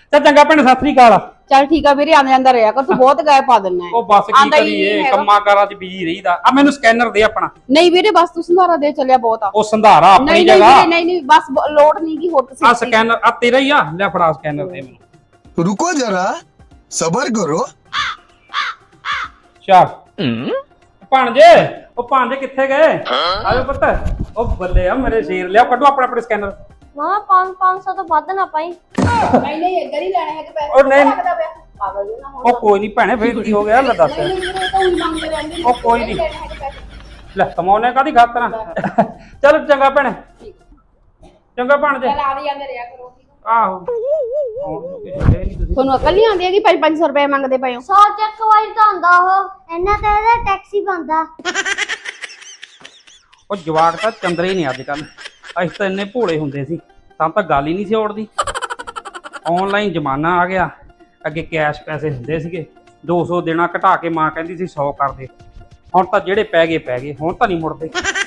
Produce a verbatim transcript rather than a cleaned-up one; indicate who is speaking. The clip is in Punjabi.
Speaker 1: ਚੱਲ ਚੰਗਾ ਭੈਣੇ ਸਤਿ ਸ੍ਰੀ ਅਕਾਲ।
Speaker 2: ਚੱਲ ਠੀਕ ਆ ਵੀਰੇ, ਆਂਦਾ ਜਾਂਦਾ ਰਿਹਾ ਕਰ, ਤੂੰ ਬਹੁਤ ਗਾਇਬ ਪਾ ਦਿੰਨਾ।
Speaker 1: ਉਹ ਬਸ ਕੀ ਕਰੀਏ, ਕੰਮਾਂ ਕਾਰਾਂ 'ਚ ਬਿਜੀ ਰਹੀਦਾ। ਆ ਮੈਨੂੰ ਸਕੈਨਰ ਦੇ ਆਪਣਾ।
Speaker 2: ਨਹੀਂ ਵੀਰੇ ਬਸ ਤੂੰ ਸੰਧਾਰਾ ਦੇ ਚੱਲਿਆ ਬਹੁਤ ਆ।
Speaker 1: ਉਹ ਸੰਧਾਰਾ ਆਪਣੀ ਜਗ੍ਹਾ।
Speaker 2: ਨਹੀਂ ਨਹੀਂ ਨਹੀਂ ਬਸ ਲੋੜ ਨਹੀਂ ਕੀ ਹੋਰ ਤੁਸੀਂ।
Speaker 1: ਆ ਸਕੈਨਰ ਆ ਤੇਰਾ ਹੀ ਆ, ਲੈ ਫੜਾ ਸਕੈਨਰ ਦੇ ਮੈਨੂੰ।
Speaker 3: रुको जरा सबर करो।
Speaker 1: ਚੱਲ ਭਾਣਜੇ, ਉਹ ਭਾਣਜੇ ਕਿੱਥੇ ਗਏ? ਆਜੋ ਪੁੱਤ। ਉਹ ਬੱਲੇ ਆ ਮੇਰੇ ਸ਼ੇਰ, ਲਿਆ ਕੱਢੋ ਆਪਣਾ ਆਪਣਾ ਸਕੈਨਰ।
Speaker 4: ਮਾਂ ਪੰਜ ਸੌ ਤੋਂ ਵੱਧ ਨਾ ਪਾਈ।
Speaker 2: ਨਹੀਂ ਨਹੀਂ ਇੱਧਰ ਹੀ ਲੈਣੇ ਹੈਗੇ ਪੈਸੇ।
Speaker 1: ਉਹ ਨਹੀਂ
Speaker 2: ਪਾਗਲ ਜੀ ਨਾ ਹੋ।
Speaker 1: ਉਹ ਕੋਈ ਨਹੀਂ ਭੈਣੇ, ਫੇਰ ਕੀ ਹੋ ਗਿਆ? ਲੈ ਦੱਸ।
Speaker 2: ਨਹੀਂ ਵੀਰੇ ਤਾਂ ਹੀ ਮੰਗਦੇ ਰਹਿੰਦੇ।
Speaker 1: ਉਹ ਕੋਈ ਨਹੀਂ, ਲੈ ਕਮਾਉਣੇ ਕਾਦੀ ਖਾਤਰ। ਚਲ ਚੰਗਾ ਭੈਣੇ, ਚੰਗਾ ਭਾਣਜੇ।
Speaker 2: ਚੱਲ ਆ ਵੀ ਜਾਂਦੇ ਰਿਹਾ ਕਰੋ।
Speaker 1: ਆਹੋ
Speaker 2: ਤੁਹਾਨੂੰ ਅਕਲ ਨਹੀਂ ਆਉਂਦੀ ਹੈਗੀ ਪੰਜ ਪੰਜ ਸੌ ਰੁਪਏ ਮੰਗਦੇ ਪਏ ਹੋ।
Speaker 4: ਸੌ ਚੱਕ ਵਾਈ ਤਾਂ ਹੁੰਦਾ ਉਹ, ਇਹਨਾਂ ਤੇ ਇਹਦਾ ਟੈਕਸੀ ਬੰਦਾ।
Speaker 1: ਉਹ ਜਵਾਕ ਤਾਂ ਚੰਦਰੇ ਹੀ ਨਹੀਂ ਅੱਜ ਕੱਲ। ਅਸੀਂ ਤਾਂ ਇੰਨੇ ਭੋਲੇ ਹੁੰਦੇ ਸੀ, ਤਾਂ ਤਾਂ ਗੱਲ ਹੀ ਨਹੀਂ ਸੀ ਔੜਦੀ। ਆਨਲਾਈਨ ਜ਼ਮਾਨਾ ਆ ਗਿਆ। ਅੱਗੇ ਕੈਸ਼ ਪੈਸੇ ਹੁੰਦੇ ਸੀਗੇ, ਦੋ ਸੌ ਦੇਣਾ ਘਟਾ ਕੇ ਮਾਂ ਕਹਿੰਦੀ ਸੀ ਸੌ ਕਰ ਦੇ। ਹੁਣ ਤਾਂ ਜਿਹੜੇ ਪੈ ਗਏ ਪੈ ਗਏ, ਹੁਣ ਤਾਂ ਨਹੀਂ ਮੁੜਦੇ।